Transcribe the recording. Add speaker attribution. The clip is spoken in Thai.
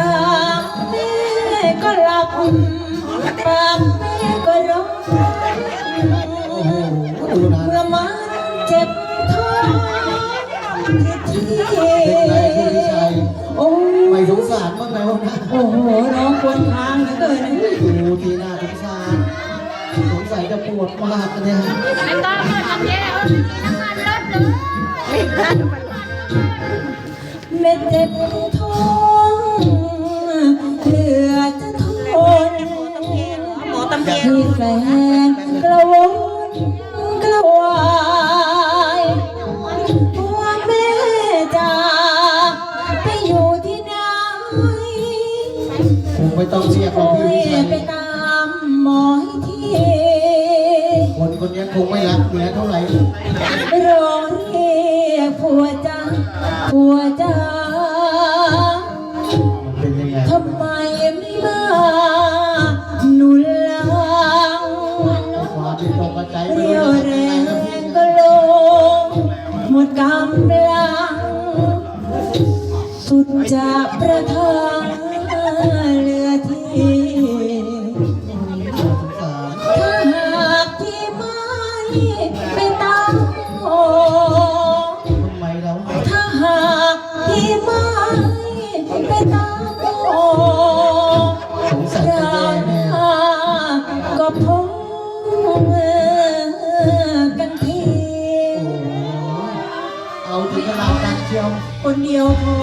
Speaker 1: ากแม่ก็หลับปากแม่ก็ร้องเมื่อมันเจ็บท้องที่โอ้
Speaker 2: ไม่สงสารบ้างไหมวะนะ
Speaker 1: โอ้โหร้องควนคางเหลือเกิน
Speaker 2: ดูทีหน้าสงสารสงสัยจะปวดมากเนี่ย
Speaker 3: ไม่ต้องเปิดน้ำเย็นน้ำมันลดเลย
Speaker 1: แม่เจ็บท้องเหลือจะทนที่แฟนกระวนกระวายว่าแม่จะไปอยู่ที่ไหน
Speaker 2: คงไม่ต้องเรียกหรอกพี่วิชัย
Speaker 1: ไปตามหมอให้ที
Speaker 2: คนคนนี้คงไม่รักเมียเท่าไหร่
Speaker 1: ร้องเรียกผัวจ้าผัวจ้า
Speaker 2: เป็นยังไง
Speaker 1: ทำไมไม่มาหนุนหลัง
Speaker 2: ความที่ตกใจ
Speaker 1: เรี่ยวแรงก็ลงหมดกำลังสุดจะประทังเหลือที่ถ้าหากที่ไม่ไปตามหอ
Speaker 2: ทำไมเรา
Speaker 1: ถ้าหากที่ไม่ไปตามหอ
Speaker 2: สงสัยจะแย่แน่
Speaker 1: ก็พงกันที
Speaker 2: เอาถึงขนาดนั้นเชียว
Speaker 1: คนเดียวพอ